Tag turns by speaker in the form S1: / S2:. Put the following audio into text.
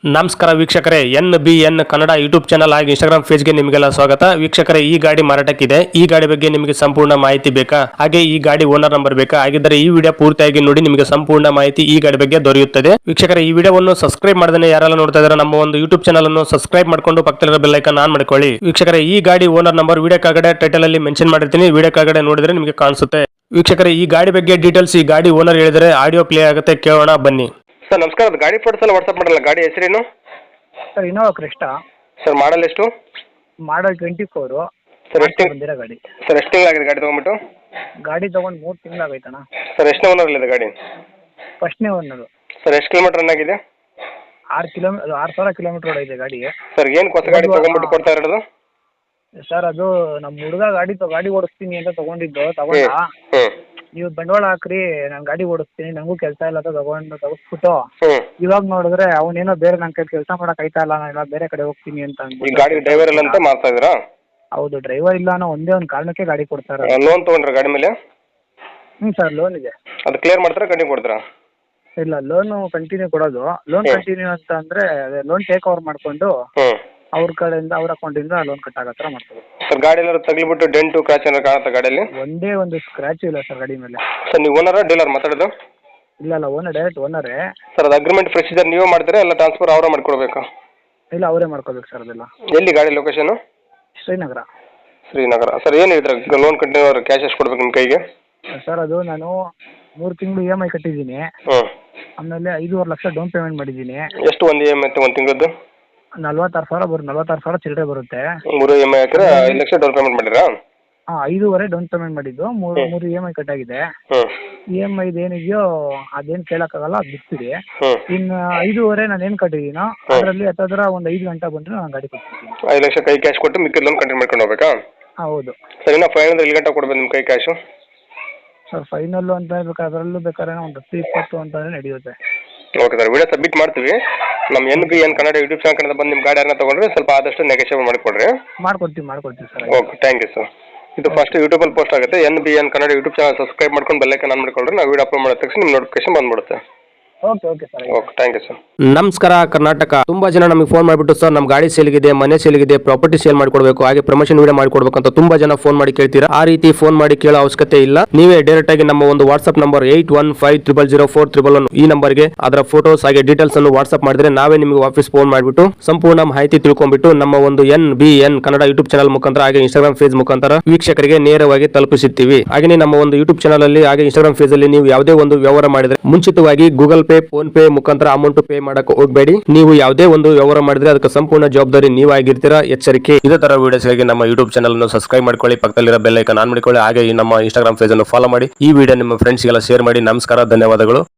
S1: ನಮಸ್ಕಾರ ವೀಕ್ಷಕರೇ, NBN Kannada YouTube channel ಹಾಗೂ ಇನ್ಸ್ಟಾಗ್ರಾಮ್ ಪೇಜ್ಗೆ ನಿಮಗೆಲ್ಲ ಸ್ವಾಗತ. ವೀಕ್ಷಕರೇ, ಈ ಗಾಡಿ ಮಾರಾಟಕ್ಕಿದೆ. ಈ ಗಾಡಿ ಬಗ್ಗೆ ನಿಮಗೆ ಸಂಪೂರ್ಣ ಮಾಹಿತಿ ಬೇಕಾ, ಹಾಗೆ ಈ ಗಾಡಿ ಓನರ್ ನಂಬರ್ ಬೇಕಾ? ಹಾಗಿದ್ದರೆ ಈ ವಿಡಿಯೋ ಪೂರ್ತಿಯಾಗಿ ನೋಡಿ, ನಿಮಗೆ ಸಂಪೂರ್ಣ ಮಾಹಿತಿ ಈ ಗಾಡಿ ಬಗ್ಗೆ ದೊರೆಯುತ್ತದೆ. ವೀಕ್ಷಕರೇ, ಈ ವಿಡಿಯೋವನ್ನು ಸಬ್ಸ್ಕ್ರೈಬ್ ಮಾಡದೇ ಯಾರೆಲ್ಲ ನೋಡ್ತಾ ಇದ್ದಾರೆ ನಮ್ಮ ಒಂದು ಯೂಟ್ಯೂಬ್ ಚಾನಲ್ ಅನ್ನು ಸಬ್ಸ್ಕ್ರೈಬ್ ಮಾಡ್ಕೊಂಡು ಪಕ್ಕದಲ್ಲಿರೋ ಬೆಲ್ ಐಕಾನ್ ಆನ್ ಮಾಡ್ಕೊಳ್ಳಿ. ವೀಕ್ಷಕರೇ, ಈ ಗಾಡಿ ಓನರ್ ನಂಬರ್ ವಿಡಿಯೋ ಕೆಳಗಡೆ ಟೈಟಲ್ ಅಲ್ಲಿ ಮೆನ್ಷನ್ ಮಾಡಿರ್ತೀನಿ, ವಿಡಿಯೋ ಕೆಳಗಡೆ ನೋಡಿದ್ರೆ ನಿಮಗೆ ಕಾಣಿಸುತ್ತೆ. ವೀಕ್ಷಕರೇ, ಈ ಗಾಡಿ ಬಗ್ಗೆ ಡೀಟೇಲ್ಸ್ ಈ ಗಾಡಿ ಓನರ್ ಹೇಳಿದರೆ ಆಡಿಯೋ ಪ್ಲೇ ಆಗುತ್ತೆ, ಕೇಳೋಣ ಬನ್ನಿ.
S2: ಸರ್ ನಮಸ್ಕಾರ, ಅದು ಗಾಡಿ ಫೋಟೋಸ್ ಎಲ್ಲ ವಾಟ್ಸಪ್ ಮಾಡಲ್ಲ. ಗಾಡಿ ಹೆಸರೇನು
S3: sir? Innova Crysta
S2: sir. Model ಎಷ್ಟು?
S3: ಮಾಡಲ್ 24.
S2: ಸರ್ ಎಷ್ಟು
S3: ಬಂದಿರೋ ಗಾಡಿ.
S2: ಸರ್ ಎಷ್ಟು ತಿಂಗಳಾಗಿದೆ ಗಾಡಿ ತೊಗೊಂಬಿಟ್ಟು?
S3: ಗಾಡಿ ತೊಗೊಂಡು 3 ತಿಂಗಳಾಗೈತಣ್ಣ.
S2: ಸರ್ ಎಷ್ಟು ಓನರಲ್ಲಿದೆ ಗಾಡಿ?
S3: ಫಸ್ಟ್ನೇ ಓನರು.
S2: ಸರ್ ಎಷ್ಟು ಕಿಲೋಮೀಟರ್ ರನ್ ಆಗಿದೆ?
S3: 6,000 ಕಿಲೋಮೀಟರ್ ಓಡೈತೆ ಗಾಡಿ.
S2: ಸರ್ ಏನು ಹೊಸ ಗಾಡಿ ತೊಗೊಂಬಿಟ್ಟು ಕೊಡ್ತಾ ಇರೋದು?
S3: ಸರ್ ಅದು ನಮ್ಮ ಹುಡುಗ ಗಾಡಿ ಓಡಿಸ್ತೀನಿ ಅಂತ ತಗೊಂಡ ನೀವು ಬಂಡವಾಳ ಹಾಕ್ರಿ, ನಾನು ಗಾಡಿ ಓಡಿಸ್ತೀನಿ, ನನಗೂ ಕೆಲಸ ಇಲ್ಲ ಅಂತ ತಗಿಸ್ಬಿಟ್ಟು ಇವಾಗ ನೋಡಿದ್ರೆ ಅವನೇನೋ ಬೇರೆ ನನ್ನ ಕೈ ಕೆಲಸ ಮಾಡಕ್ ಆಯ್ತಾ ಇಲ್ಲ, ನಾನು ಬೇರೆ ಕಡೆ ಹೋಗ್ತೀನಿ ಅಂತ
S2: ಈ ಗಾಡಿ ಡ್ರೈವರ್ ಇಲ್ಲ ಅಂತ ಮಾಡ್ತಾ ಇದ್ದೀರಾ?
S3: ಹೌದು, ಡ್ರೈವರ್ ಇಲ್ಲ ಅನ್ನೋ ಒಂದೇ ಒಂದು ಕಾರಣಕ್ಕೆ ಗಾಡಿ ಕೊಡ್ತಾರೆ.
S2: ಲೋನ್ ತೊಗೊಂಡ್ರೆ ಗಾಡಿ ಮೇಲೆ?
S3: ಸರ್ ಲೋನ್ ಇದೆ.
S2: ಅದು ಕ್ಲಿಯರ್ ಮಾಡ್ತಾರೆ, ಕಂಟಿನ್ಯೂ ಕೊಡ್ತೀರಾ?
S3: ಇಲ್ಲ, ಲೋನು ಕಂಟಿನ್ಯೂ ಕೊಡೋದು. ಲೋನ್ ಕಂಟಿನ್ಯೂ ಅಂತ ಅಂದ್ರೆ ಲೋನ್ ಟೇಕ್ ಓವರ್ ಮಾಡ್ಕೊಂಡು ಅವ್ರ ಕಡೆಯಿಂದ ಅವ್ರ ಅಕೌಂಟಿಂದ ಲೋನ್ ಕಟ್ ಆಗೋ ಥರ ಮಾಡ್ತಾರೆ.
S2: ಸರ್ ಗಾಡಿ ಎಲ್ಲ ತಗ್ಲಿಬಿಟ್ಟು ಡೆಂಟು ಕ್ರಾಚ್ ಏನಾರು ಕಾಣುತ್ತೆ ಗಾಡಿಯಲ್ಲಿ?
S3: ಒಂದೇ ಒಂದು ಸ್ಕ್ರಾಚ್ ಇಲ್ಲ ಸರ್ ಗಾಡಿ ಮೇಲೆ.
S2: ಸರ್ ನೀವು ಓನರ ಡೀಲರ್ ಮಾತಾಡೋದು?
S3: ಇಲ್ಲ, ಓನರ್, ಡೈರೆಕ್ಟ್ ಓನರೇ.
S2: ಸರ್ ಅದು ಅಗ್ರಿಮೆಂಟ್ ಪ್ರೊಸೀಜರ್ ನೀವೇ ಮಾಡ್ತೀರಾ ಎಲ್ಲ ಟ್ರಾನ್ಸ್ಫರ್ ಅವರೇ ಮಾಡ್ಕೊಡ್ಬೇಕಾ?
S3: ಇಲ್ಲ, ಅವರೇ ಮಾಡ್ಕೋಬೇಕು ಸರ್ ಅದೆಲ್ಲ.
S2: ಎಲ್ಲಿ ಗಾಡಿ ಲೊಕೇಶನು?
S3: ಶ್ರೀನಗರ.
S2: ಶ್ರೀನಗರ. ಸರ್ ಏನು ಹೇಳಿದ್ರೆ ಲೋನ್ ಕಂಟಿನ್ಯೂ ಕ್ಯಾಶ್ ಎಷ್ಟು ಕೊಡ್ಬೇಕು ನಿಮ್ಮ ಕೈಗೆ?
S3: ಸರ್ ಅದು ನಾನು 3 ತಿಂಗಳು EMI ಕಟ್ಟಿದ್ದೀನಿ. ಆಮೇಲೆ 5.5 ಲಕ್ಷ ಡೌನ್ ಪೇಮೆಂಟ್ ಮಾಡಿದ್ದೀನಿ.
S2: ಎಷ್ಟು ಒಂದು EMI ಒಂದು ತಿಂಗಳದ್ದು?
S3: 46,000 ಚಿಲ್ಲರೆ ಬರುತ್ತೆ.
S2: 3 EMI ಹಾಕಿದ್ರೆ 5 ಲಕ್ಷ ಡೌನ್ ಪೇಮೆಂಟ್ ಮಾಡಿರಾ?
S3: 5.5 ಡೌನ್ ಪೇಮೆಂಟ್ ಮಾಡಿದ್ದು, 3 EMI ಕಟ್ ಆಗಿದೆ. EMI ಏನಿದೆಯೋ ಅದೇನು ಕೇಳಕ್ಕಾಗಲ್ಲ, ಅದು ಬಿಡ್ತೀರಿ. ಇನ್ನು 5.5 ನಾನು ಏನು ಕಟ್ಟಿದ್ದೀನೋ ಅದರಲ್ಲಿ ಹತ್ತಿರ ಒಂದು 5 ಗಂಟೆ ಬಂದರೆ ನಾನು ಗಾಡಿ ಕೊಡ್ತೀನಿ.
S2: 5 ಲಕ್ಷ ಕೈ ಕ್ಯಾಶ್ ಕೊಟ್ಟು ಮಿಕ್ಕಿದ ಲೋನ್ ಕಂಟಿನ್ಯೂ ಮಾಡ್ಕೊಂಡು ಹೋಗ್ಬೇಕಾ?
S3: ಹೌದು
S2: ಸರ್. ಇನ್ನು ಫೈನಲ್ ಎಲ್ಲಿ ಗಂಟೆ ಕೊಡ್ಬೇಕು ನಿಮ್ಮ ಕೈ ಕ್ಯಾಶು?
S3: ಸರ್ ಫೈನಲ್ಲು ಅಂತ ಹೇಳ್ಬೇಕು, ಅದರಲ್ಲೂ ಬೇಕಾದ್ರೆ ಒಂದು 10-20 ಅಂತಲೇ ನಡೆಯುತ್ತೆ.
S2: ಓಕೆ ಸರ್, ವಿಡಿಯೋ ಸಬ್ಮಿಟ್ ಮಾಡ್ತೀವಿ. ನಮ್ಮ NBN Kannada YouTube channel Kannada ಬಂದು ನಿಮ್ಮ ಗಾಡಿ ಯಾರನ್ನ ತೊಗೊಂಡ್ರೆ ಸ್ವಲ್ಪ ಆದಷ್ಟು ನೆಗೋಷಿಯೇಟ್ ಮಾಡಿಕೊಡ್ರಿ.
S3: ಮಾಡ್ಕೊಡ್ತೀವಿ sir.
S2: Okay, thank you sir. ಇದು ಫಸ್ಟ್ ಯೂಟ್ಯೂಬಲ್ಲಿ ಪೋಸ್ಟ್ ಆಗುತ್ತೆ. NBN Kannada YouTube channel subscribe ಮಾಡ್ಕೊಂಡು ಬೆಲ್ ಐಕಾನ್ ಆನ್ ಮಾಡ್ಕೊಳ್ರಿ. ನಾವು ವಿಡಿಯೋ ಅಪ್ಲೋಡ್ ಮಾಡಿದ ತಕ್ಷಣ ನಿಮ್ಮ ನೋಟಿಫಿಕೇಶನ್ ಬಂದ್ಬಿಡುತ್ತೆ.
S3: Okay sir.
S2: Okay, thank you sir.
S1: ನಮಸ್ಕಾರ ಕರ್ನಾಟಕ. ತುಂಬಾ ಜನ ನಮಗೆ ಫೋನ್ ಮಾಡಿಬಿಟ್ಟು ಸರ್ ನಮ್ಮ ಗಾಡಿ ಸೇಲ್ಗಿದೆ, ಮನೆ ಸೇಲ್ಗಿದೆ, ಪ್ರಾಪರ್ಟಿ ಸೇಲ್ ಮಾಡ್ಕೊಡ್ಬೇಕು, ಹಾಗೆ ಪ್ರಮೋಷನ್ ವಿಡಿಯೋ ಮಾಡ್ಕೊಡ್ಬೇಕು ಅಂತ ತುಂಬಾ ಜನ ಫೋನ್ ಮಾಡಿ ಕೇಳ್ತೀರಾ. ಆ ರೀತಿ ಫೋನ್ ಮಾಡಿ ಕೇಳೋ ಅವಶ್ಯಕತೆ ಇಲ್ಲ. ನೀವೇ ಡೈರೆಕ್ಟ್ ಆಗಿ ನಮ್ಮ ಒಂದು ವಾಟ್ಸ್ಆಪ್ ನಂಬರ್ 81500411 ಈ ನಂಬರ್ಗೆ ಅದರ ಫೋಟೋಸ್ ಹಾಗೆ ಡೀಟೇಲ್ಸ್ ಅನ್ನು ವಾಟ್ಸ್ಆಪ್ ಮಾಡಿದ್ರೆ ನಾವೇ ನಿಮಗೆ ವಾಪಸ್ ಫೋನ್ ಮಾಡಿಬಿಟ್ಟು ಸಂಪೂರ್ಣ ಮಾಹಿತಿ ತಿಳ್ಕೊಂಡ್ಬಿಟ್ಟು ನಮ್ಮ ಒಂದು NBN ಕನ್ನಡ ಯೂಟ್ಯೂಬ್ ಚಾನಲ್ ಮುಖಾಂತರ ಹಾಗೆ ಇನ್ಸ್ಟಾಗ್ರಾಮ್ ಪೇಜ್ ಮುಖಾಂತರ ವೀಕ್ಷಕರಿಗೆ ನೇರವಾಗಿ ತಲುಪಿಸುತ್ತೀವಿ. ಹಾಗೆ ನಮ್ಮ ಒಂದು ಯೂಟ್ಯೂಬ್ ಚಾನಲ್ ಅಲ್ಲಿ ಹಾಗೆ ಇನ್ಸ್ಟಾಗ್ರಾಮ್ ಪೇಜ್ ಅಲ್ಲಿ ನೀವು ಯಾವುದೇ ಒಂದು ವ್ಯವಹಾರ ಮಾಡಿದ್ರೆ ಮುಂಚಿತವಾಗಿ ಗೂಗಲ್ ಪೇ, ಫೋನ್ ಪೇ ಮುಖಾಂತರ ಅಮೌಂಟ್ ಪೇ ಮಾಡಕ್ಕೆ ಹೋಗಬೇಡಿ. ನೀವು ಯಾವುದೇ ಒಂದು ವ್ಯವಹಾರ ಮಾಡಿದ್ರೆ ಅದಕ್ಕೆ ಸಂಪೂರ್ಣ ಜವಾಬ್ದಾರಿ ನೀವಾಗಿರ್ತೀರಾ, ಎಚ್ಚರಿಕೆ. ಇದೇ ತರ ವಿಡಿಯೋಸ್ಗಾಗಿ ನಮ್ಮ ಯೂಟ್ಯೂಬ್ ಚಾನಲ್ ಅನ್ನು ಸಬ್ಸ್ಕ್ರೈಬ್ ಮಾಡ್ಕೊಳ್ಳಿ, ಪಕ್ಕದಲ್ಲಿರೋ ಬೆಲ್ ಐಕಾನ್ ಆನ್ ಮಾಡಿಕೊಳ್ಳಿ, ಹಾಗೆ ನಮ್ಮ ಇನ್ಸ್ಟಾಗ್ರಾಮ್ ಪೇಜ್ ಅನ್ನು ಫಾಲೋ ಮಾಡಿ. ಈ ವಿಡಿಯೋ ನಿಮ್ಮ ಫ್ರೆಂಡ್ಸ್ಗೆಲ್ಲ ಶೇರ್ ಮಾಡಿ. ನಮಸ್ಕಾರ, ಧನ್ಯವಾದಗಳು.